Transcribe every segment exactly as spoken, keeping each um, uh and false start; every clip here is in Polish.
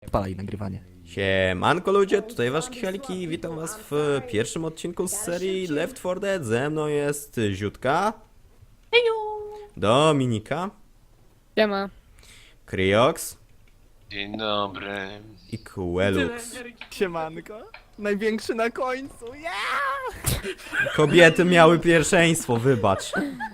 Palaj nagrywanie. Siemanko ludzie, tutaj wasz Kichaliki i witam was w pierwszym odcinku z serii Left four Dead. Ze mną jest Ziutka, Heju! Dominika, Siema. Kryox Dzień dobry. i Quelux. Siemanko. Największy na końcu. Yeah! Kobiety miały pierwszeństwo, wybacz.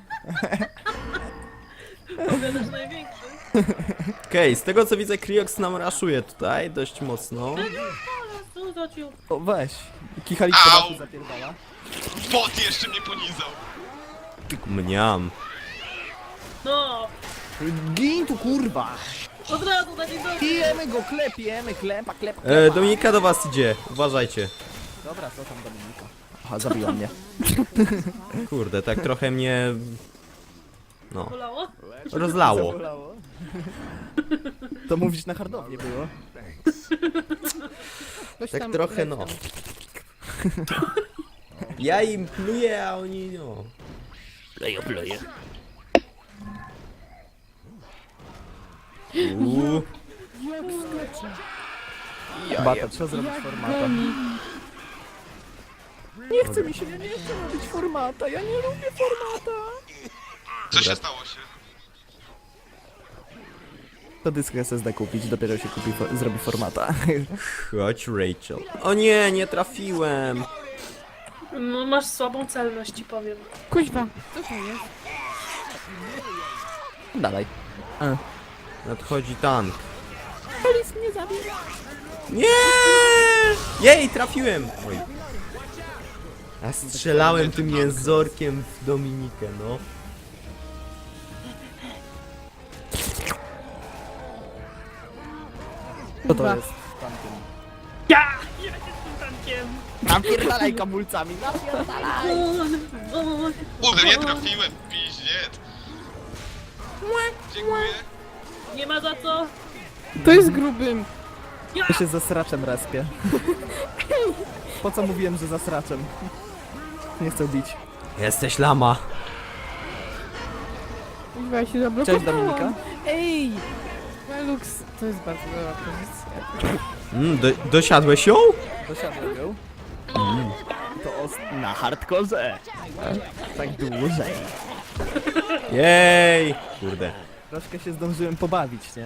Powiadasz największy. Okej, z tego co widzę, Kryox nam raszuje tutaj dość mocno. Co za ciu? O, weź. Kichalik po Au! dachu zapierdala. Bot jeszcze mnie ponizał. Mniam. No! Gin tu, kurwa! Od razu na dzień dobry! Pijemy go, klepiemy, klepa, klepa, E, klepa. Dominika do was idzie, uważajcie. Dobra, co tam Dominika? Aha, zabiła mnie. Kurde, tak trochę mnie... No, Bolało? rozlało. Zabolało. To mówić na hardownie było. Tak trochę no. Ja im pluję, a oni no. Plejo, plejo. Uuu. Bata, trzeba zrobić formata. Nie chce mi się, ja nie chcę robić formata, ja nie lubię formata. Co się stało się? To dysk S S D kupić, dopiero się kupi, fo zrobi formata. Chodź Rachel. O nie, nie trafiłem. No masz słabą celność, ci powiem. Kuźwa, co to jest? Dalej. Nadchodzi tank. Polis mnie zabił. Nie! Jej, trafiłem! Oj. A strzelałem tym jęzorkiem w Dominikę, no. Co to jest? Tankiem. Ja! Ja jestem tankiem! Napierdalaj kamulcami, napierdalaj! O, o, Kurde, nie trafiłem, piździec. Dziękuję. Nie ma za co! To jest grubym. Ja! Ja się ze sraczem respię. Po co mówiłem, że za sraczem? Nie chcę bić. Jesteś lama. Kuźwa, ja się zablokowałam. Cześć Dominika. Ej! Velux, to jest bardzo dobra pozycja. Mm, do, dosiadłeś ją? Dosiadłem ją. To os na hardkorze. Tak dłużej. Jej! Kurde. Troszkę się zdążyłem pobawić, nie?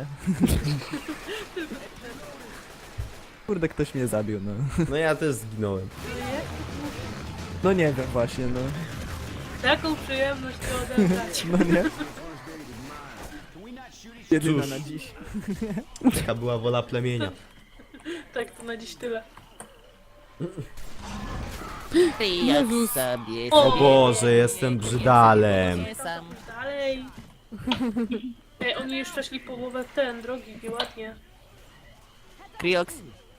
Kurde, ktoś mnie zabił, no. No ja też zginąłem. No nie wiem właśnie, no. Taką przyjemność to odebrać. No nie? Jedyna Cóż. na dziś. Taka była wola plemienia. Tak, to na dziś tyle. Jezus. sobie O O Boże, jestem brzydalem. sam. Dalej! Ej, oni już przeszli połowę ten, drogi, nieładnie. Krioks,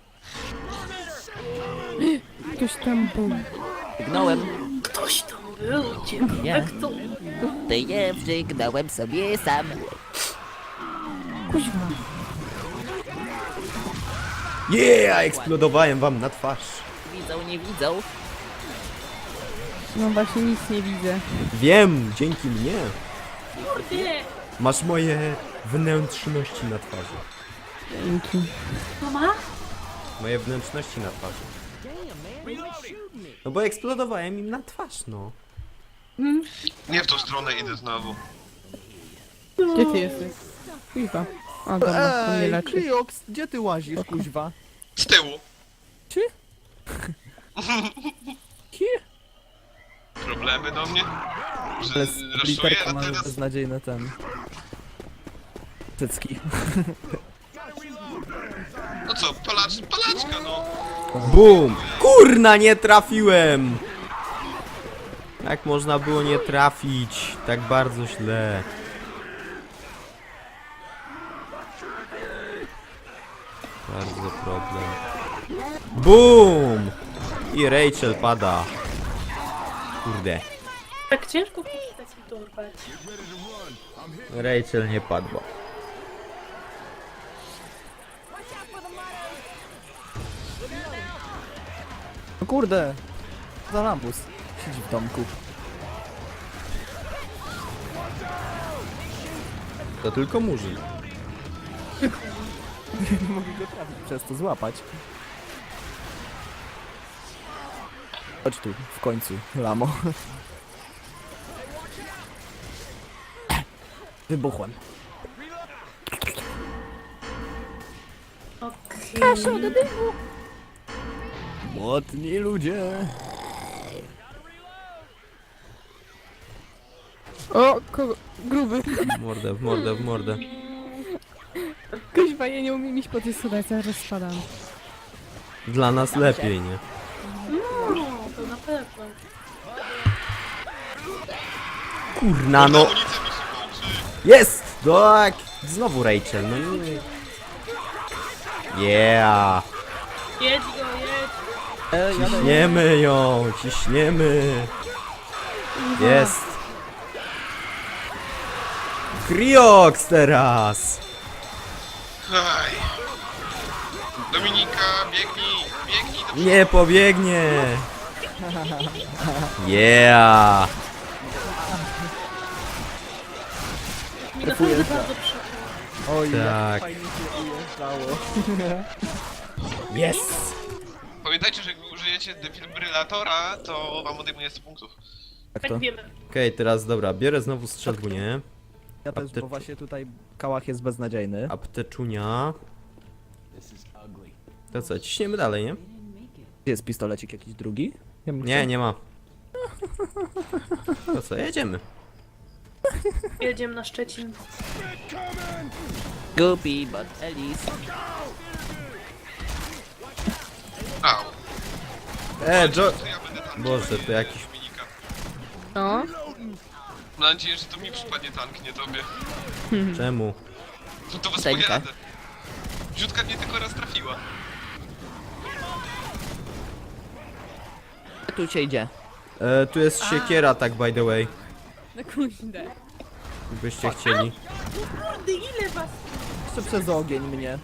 Ktoś tam był. gnąłem, Ktoś tam był, ciebie. Nie. Jak to? ty je przygnąłem sobie sam. Kuźwa. Yeah, eksplodowałem wam na twarz. Widzą, nie widzą. No właśnie nic nie widzę. Wiem, dzięki mnie. Kurde! Masz moje wnętrzności na twarzy. Dzięki. Mama? Moje wnętrzności na twarzy. No bo eksplodowałem im na twarz, no. Nie w tą stronę idę znowu. Gdzie ty jesteś? Kuźwa. A dobra, to mnie Ej, leczy. Krioks, gdzie ty łazisz, kuźwa? Z tyłu. Czy? Problemy do mnie? Że Ale raszuję, literka a ma teraz... beznadziejne ten... Cycki. No co, palacz, palaczka no. Bum! Kurna, nie trafiłem! Jak można było nie trafić? Tak bardzo źle. Bardzo problem. Bum! I Rachel pada. Kurde. Tak ciężko taki dorwać. Rachel nie padła. No kurde! Za lambus. Siedzi w domku. To tylko murzyn. Nie mogę go trafić przez to złapać. Chodź tu, w końcu, lamo. Wybuchłem. Okej. Młotni ludzie. O, kogo? Gruby. W mordę, w mordę, w mordę. Kuźwa, ja nie umiem iść po tej schodach, zaraz spadam. Dla nas lepiej, nie? No, to na pewno. Kurna, no. Amunicja mi się kończy. Jest! Tak! Znowu Rachel, no nie. Yeah! Jedź go, jedź. E, jadę. Ciśniemy ją, ciśniemy. Jest. Krioks teraz! Aj. Dominika, biegnij, biegnij do Nie pobiegnie! Yeah! Mi naprawdę bardzo przykro. Oj, Tak. jak fajnie się ujeżdżało. Yes! Pamiętajcie, że jak użyjecie defibrylatora, to wam odejmuje sto punktów. Jak Tak to? wiemy. Okej, teraz dobra, biorę znowu strzelbunię. Ja też, Aptecz- bo właśnie tutaj kałach jest beznadziejny. Apteczunia. To co, ciśniemy dalej, nie? Gdzie jest pistolecik jakiś drugi? Ja bym Nie, chciał- nie ma. To co, jedziemy. Jedziemy na Szczecin. Gupi, but Alice. Au. E, Jo... To ja będę tankiem, Boże, nie to jakiś... Dominika. O, Mam nadzieję, że to mi przypadnie tank, nie tobie. Czemu? To, to was Tanka. pojadę. Rzutka mnie tylko raz trafiła. Tu się idzie. E, tu jest siekiera, tak by the way. na kuźdę. Gdybyście chcieli. Kurde, ile was? Jeszcze przez ogień mnie.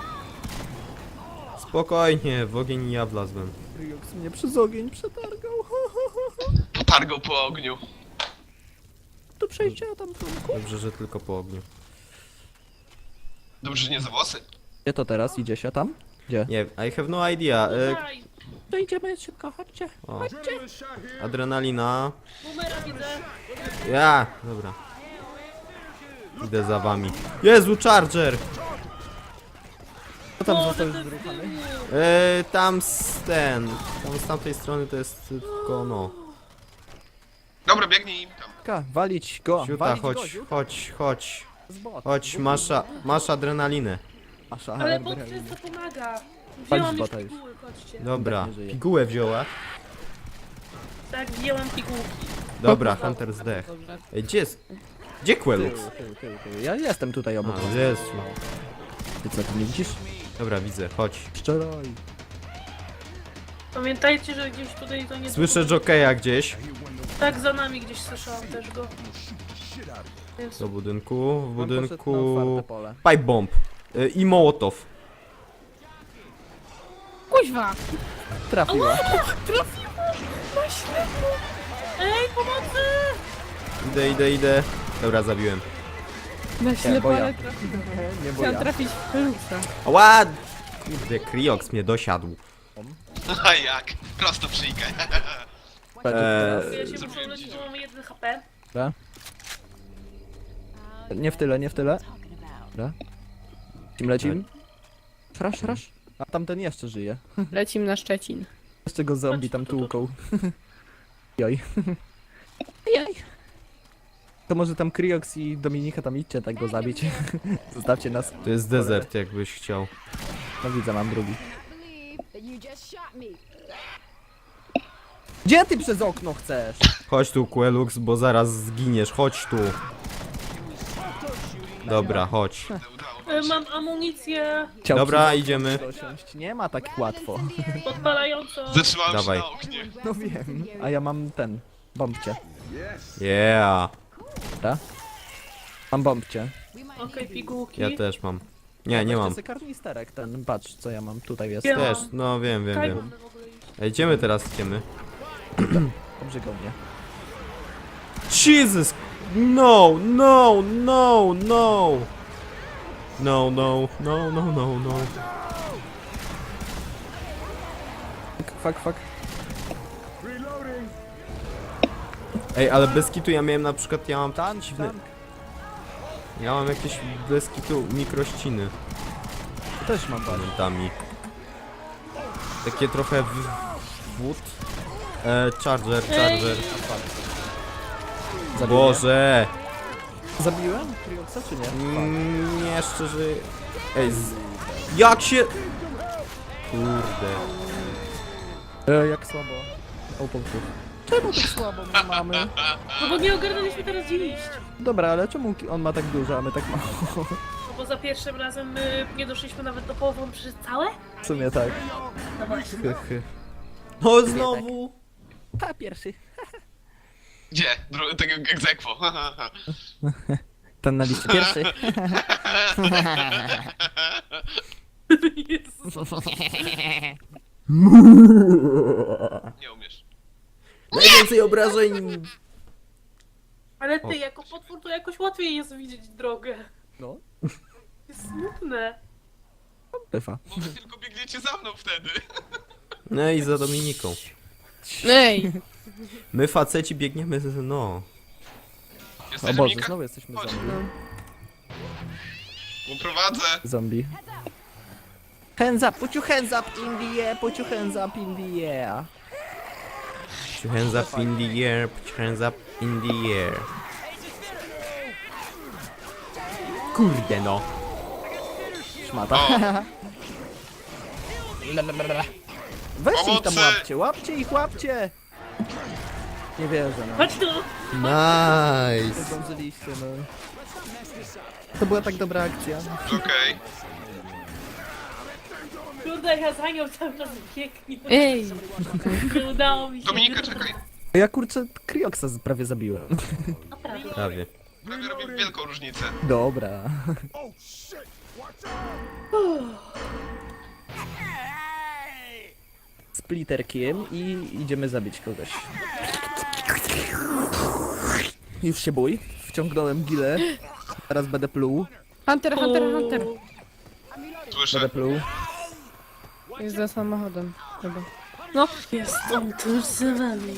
Spokojnie, w ogień i ja wlazłem. Ryox mnie przez ogień przetargał. Potargał po ogniu. Do przejścia tam trunku. Dobrze, że tylko po ogniu. Dobrze, że nie za włosy. Gdzie to teraz? Idzie się tam? Gdzie? Nie, I have no idea. E, Daj, To idziemy szybko, chodźcie. o. Adrenalina. numera widzę. Ja, dobra. Idę za wami. Jezu, Charger! Co tam O, został to już wyruchany? E, tam z ten. Tam z tamtej strony to jest tylko no. Dobra, biegnij im tam. Ka, walić go, Siuta, walić chodź, goziu. chodź, chodź. Z bot. Chodź, masz, a- masz adrenalinę. Masza, Ale bot adrenalin. często pomaga. Palić Wzięłam już bota już. piguły, chodźcie. Dobra, nie żyje. pigułę wzięła. Tak, wzięłam pigułki. Dobra, Hunter zdech. Dobrze. Ej, gdzie jest? Gdzie Quelux? Tył, tył, tył, tył. Ja jestem tutaj obok was. A, Jezu. Ty co, ty nie widzisz? Dobra, widzę, chodź. Szczeroj. Pamiętajcie, że gdzieś tutaj to nie... Słyszę jokeja gdzieś. Tak, za nami gdzieś słyszałam też go. Więc Do budynku, w On poszedł na budynku... otwarte pole. Pipe bomb. Y, I Mołotow. Kuźwa! Trafiła. Ej, pomocy! Idę, idę, idę. Dobra, zabiłem. Na ślepo, bo ja. ale trafiłem. Nie bo Chciałam ja. trafić w Feluxa. Ła! Kurde, Krioks mnie dosiadł. A jak? Prosto przyjkę. Eee, Ja się muszę uleczyć, bo mamy jeden H P. Dobra. Nie w tyle, nie w tyle. Dobra. Lecim, lecim. Frasz, frasz. A tamten jeszcze żyje. Lecim na Szczecin. Jeszcze go zombie tam tłuką. Joj. Jaj. To może tam Kriox i Dominika tam idźcie tak go zabić. Zostawcie nas. to jest desert, jakbyś chciał. No widzę, mam drugi. believe that you just shot me. Gdzie ty przez okno chcesz? Chodź tu, Quelux, bo zaraz zginiesz. Chodź tu. Dobra, chodź. Udało E, Mam amunicję Chciał Dobra, przez idziemy. okno dosiąść. Nie ma tak łatwo. podpalającą. Zatrzymałem Dawaj. się na oknie. No wiem. A ja mam ten. Bombcie. Yeah. Dobra? Mam bombcie. Okej, pigułki. Ja też mam. Nie, nie mam. Weźcie sobie karnisterek ten. Patrz co ja mam. Tutaj jest. Ja- Też, no wiem, wiem, Kaj wiem. mamy w ogóle iść. Ej, idziemy teraz, idziemy. Obrzygał mnie. Jesus! No, no, no, no! No, no, no, no, no, no. Fuck, fuck. Ej, ale bez kitu ja miałem na przykład, ja mam Tank, dziwne... tank. Ja mam jakieś bez kitu mikrościny Też mam bani. momentami. Takie trochę w... wód. E, charger, charger. Zabiję. Boże! Zabiłem Krioxa czy nie? Mm, nie, szczerze... Ej, z... jak się... Kurde. E, jak słabo. O, punktów. Czemu tak słabo my mamy? No bo nie ogarnęliśmy teraz dzielić. Dobra, ale czemu on ma tak dużo, a my tak mało? No bo za pierwszym razem my nie doszliśmy nawet do połowy, on przyszedł całe? W sumie tak. No właśnie. No znowu! Pa, pierwszy. Gdzie? Dru- tak jak egzekwo. Ten na liście pierwszy. Jezus. Nie umiesz. Najwięcej obrażeń! Ale ty, jako potwór to jakoś łatwiej jest widzieć drogę. No. Jest smutne. Bywa. Bo wy tylko biegniecie za mną wtedy. No i za Dominiką. Ej! My faceci biegniemy z... no. O Jesteś Boże, Dominika? znowu jesteśmy Chodź. zombie. Uprowadzę. Zombie. Hands up, put your hands up in the air, put your hands up in the air. Put your hands up in the air, put your hands up in the air. Kurde no. Szmata. O. Weźcie ich tam Pomocy! łapcie, łapcie ich, łapcie! Nie wierzę, no. Chodź tu! Nie Nice. zdążyliście, no. To była tak dobra akcja. Okej. Kurde, ja za nią cały czas biegnie. Ej! Nie udało mi się. Dominika, czekaj. Ja kurczę Krioksa z- prawie zabiłem. Naprawdę. Prawie. Prawie robię wielką różnicę. Dobra. Splitterkiem i idziemy zabić kogoś. Już się bój. Wciągnąłem gilę. Teraz będę pluł. Hunter, Hunter, Hunter! Słyszę. Będę pluł. Jest za samochodem. Chyba. No, jest on tuż za nami.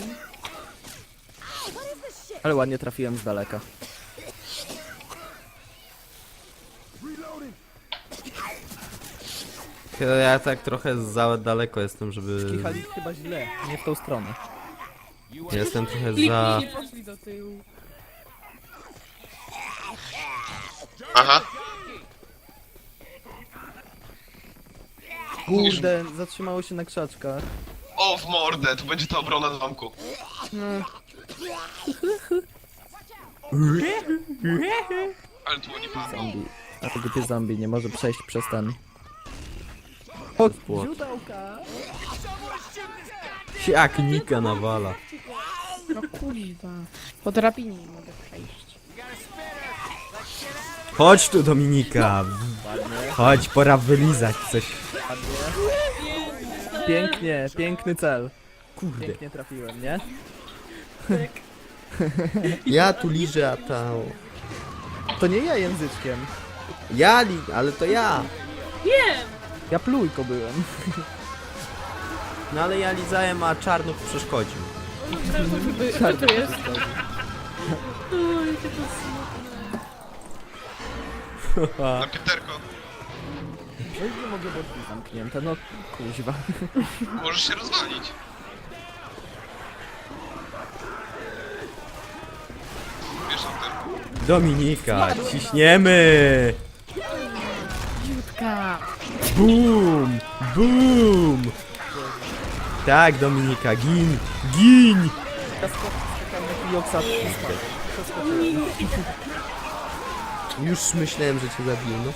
Ale ładnie trafiłem z daleka. Ja tak trochę za daleko jestem, żeby... Kichali chyba źle, nie w tą stronę. Jestem trochę za... Nie poszli do tyłu. Aha. Kurde, zatrzymało się na krzaczkach. O, w mordę, tu będzie ta obrona zamku. No. Ale tu nie padło. Zombie. A to głupie zombie nie może przejść przez ten... O, Płot. źródełka! Jak Nika nawala. No kuźwa. Po drabinie nie mogę przejść. Chodź tu Dominika. Chodź, pora wylizać coś. Pięknie, piękny cel. Kurde. Pięknie trafiłem, nie? Ja tu liżę, a ta... To nie ja języczkiem. Ja li... ale to ja. Wiem! Ja plujko byłem. No ale ja lizałem, a Czarnów przeszkodził. Wy- Co tu jest? Oj, jakie to smutne. Na Pieterko. No i nie mogę, bo drzwi zamknięte, no kuźwa. Możesz się rozwalić. Wiesz o tym. Dominika, ciśniemy! Jutka! Bum! Bum! Tak, Dominika, gin! Gin! Joksa, Już myślałem, że cię zabiję, no.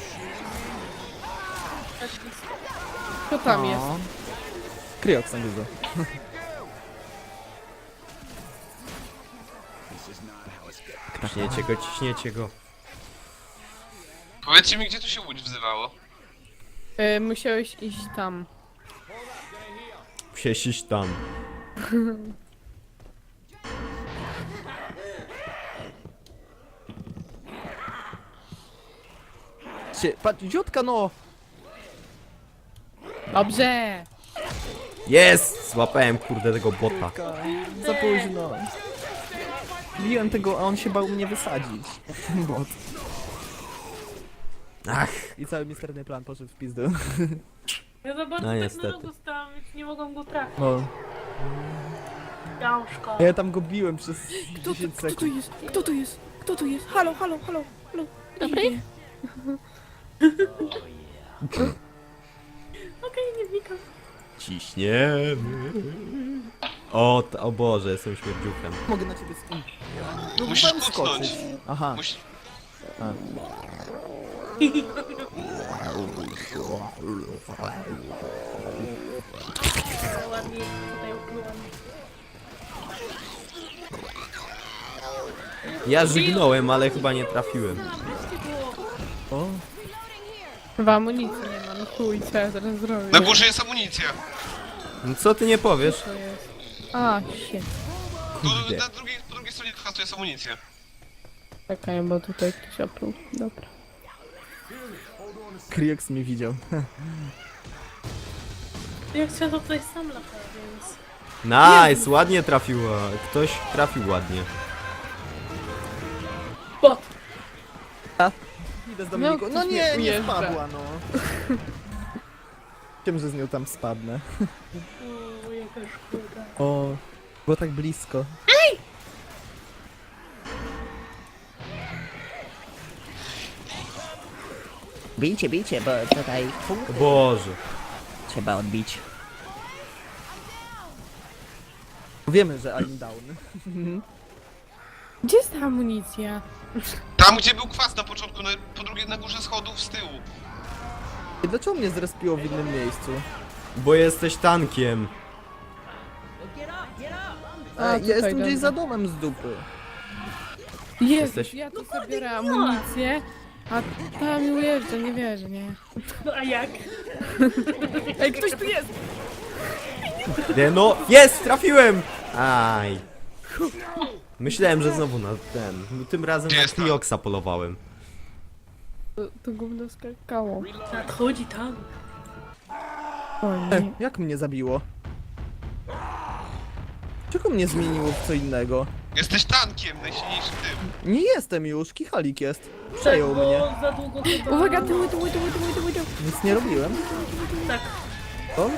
Co tam jest? Kryok sam dużo. Ciśniecie go, ciśniecie go. Powiedzcie mi, gdzie tu się łódź wzywało? E, musiałeś iść tam. Musiałeś iść tam. Patrzcie, patrz, dziutka no! Dobrze! Jest! Złapałem kurde tego bota. Dziutka, za późno. Biłem tego, a on się bał mnie wysadzić. Bot. Ach, I cały misterny plan poszedł w pizdu. Ja za bardzo No, tak niestety. na nogu stałam, więc nie mogłam go trafić. No. Gałszko. A ja tam go biłem przez Kto tu, dziesięć kto tu sekund. jest? Kto tu jest? Kto tu jest? Halo, halo, halo, halo. Dobry? Idzie. Okej, nie wnikam. ciśniemy. O, t- o Boże, jestem śmierdziuchem. Mogę na ciebie sk... No, Musisz mam kucnąć. skoczyć. Aha. Musi... Ale ładnie tutaj ukryłam. Ja żygnąłem, ale chyba nie trafiłem. O, Chyba amunicji nie mam. Chuj, co ja teraz zrobię? Na górze jest amunicja. No co ty nie powiesz? To jest. A, shit. Tu, Kurde. na drugiej, po drugiej stronie trasu jest amunicja. Czekaj, bo tutaj ktoś opluł. Dobra. Kriox mnie widział. Ja chciałam to tutaj sam latać, więc... Nice, ładnie trafiła. Ktoś trafił ładnie. Bot! Idę z Dominiką. No, No ktoś nie, mnie nie ujeżdża. spadła no. Wiem, że z nią tam spadnę. O, jaka szkoda. O, było tak blisko. Bijcie, bijcie, bo tutaj O Boże. trzeba odbić. Wiemy, że I'm down. Gdzie jest ta amunicja? Tam, gdzie był kwas na początku, na, po drugie na górze schodów z tyłu. I dlaczego mnie zrespiło w innym miejscu? Bo jesteś tankiem. A, A, ja tutaj, jestem gdzieś dobra. za domem z dupy. Jezus, Jesteś- ja tu sobie biorę amunicję, a tam mi ujeżdża, nie wierzę, nie. No a jak? Ej, ktoś tu jest! Nie, no, jest, trafiłem! Aj. Myślałem, że znowu na ten. Tym razem Gdzie na jest tam? Trioxa polowałem. To, to gówno skakało. Nadchodzi tam. O E, nie. jak mnie zabiło? Czego mnie zmieniło w co innego? Jesteś tankiem, najsilniejszym tym. Nie jestem już, kichalik jest. Przejął Tak, bo mnie. za długo chyba... Uwaga, tyły, tyły, tyły, tyły, tyły, tyły. Nic nie robiłem. Tak. O?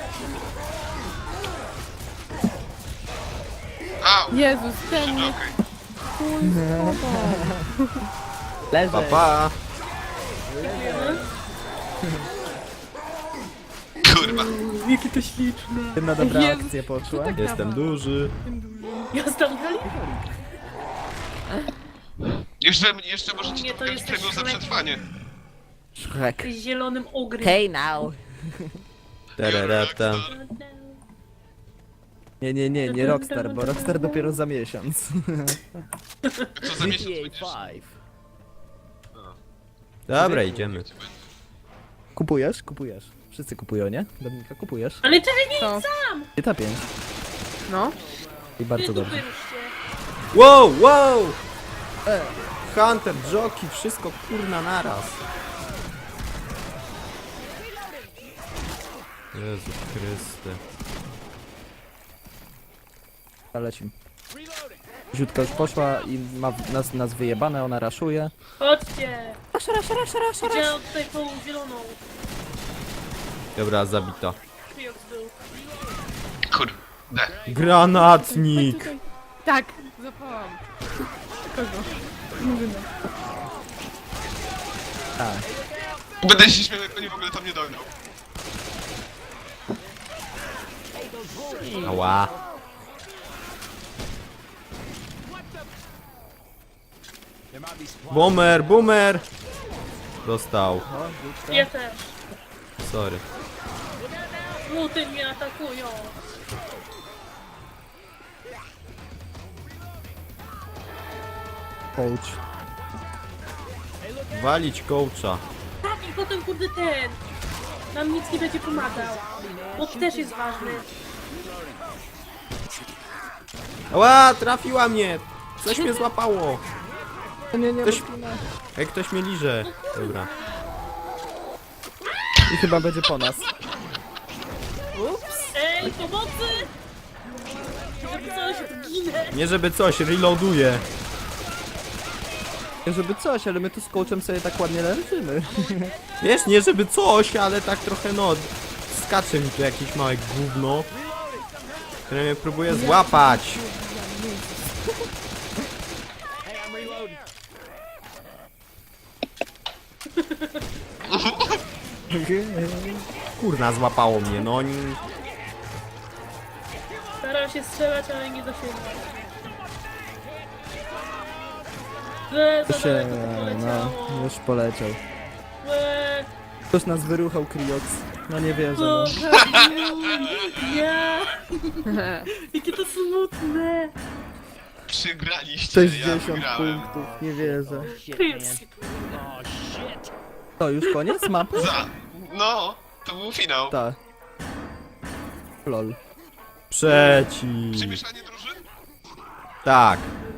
Au! Jezus, ten mnie Okej. chuj schował. Leży. Pa, pa. Kurwa. Jakie to śliczne. Jedna dobra Jezus, akcja poszła. tak Jestem duży. Ja znam Gali? Jeszcze, jeszcze możecie Nie, to to pokazać jesteś premium za Shrek. przetrwanie. Szrek. Z zielonym ogrym. Hey now. Terereta. Nie, nie, nie, nie Rockstar, bo Rockstar dopiero za miesiąc. Co za miesiąc G będziesz... T A pięć. Dobra, idziemy. Kupujesz? Kupujesz. Wszyscy kupują, nie? Dominika, kupujesz? Ale czekaj, nie To, G T A pięć. no. I bardzo dobrze. ruszcie. Wow, wow! E, Hunter, Jockey, wszystko kurna naraz. Jezu Chryste. Lecim. Ziutka już poszła i ma nas, nas wyjebane, ona raszuje. Chodźcie. Rasz, rasz, rasz, rasz, rasz. Gdzie tutaj tą zieloną? Dobra, zabita. Kriox był. Kurde. Granatnik! Tutaj. Tak, zapałam. Kogo? Murzyna. Tak. Będę się śmiał, jak oni w ogóle tam nie dojdą. Ała. Boomer, boomer! Dostał. Ja też. Sorry. Muty mnie atakują. Coach. Walić coacha. Tak, i potem kurde ten. Nam nic nie będzie pomagał. Bo też jest ważny. Ała, trafiła mnie! Coś mnie złapało. Nie, nie, Ktoś- Martina. Jak ktoś mnie liże. Dobra. I chyba będzie po nas. Ej, pomocy! Żeby coś, ginę! Nie żeby coś, reloaduję. Żeby coś, ale my tu z coachem sobie tak ładnie leżymy. Wiesz, nie żeby coś, ale tak trochę no... Skacze mi tu jakieś małe gówno, które mnie próbuje złapać. Kurna, złapało mnie, no oni... Staram się strzelać, ale nie dosięgam. Łe, za się, daleko to no, poleciało. już poleciał. Łe, Ktoś nas wyruchał, Kriox. No nie wierzę, no, no. ja. Jakie to smutne. Przegraliście, sześćdziesiąt ja wygrałem. punktów, nie wierzę. Pies. To już koniec mapy? Za. No, to był finał. Tak. Lol. Przeciw. Przemieszanie drużyn? Tak.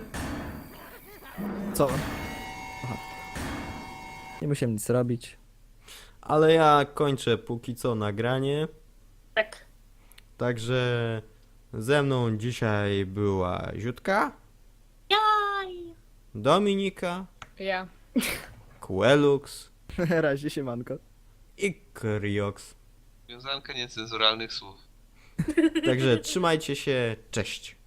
Co? Aha. Nie musiałem nic robić. Ale ja kończę póki co nagranie. Tak. Także ze mną dzisiaj była Ziutka, Jaj. Dominika, Ja. Quelux Razie się manko. i Kriox. Wiązanka niecenzuralnych słów. Także trzymajcie się, cześć.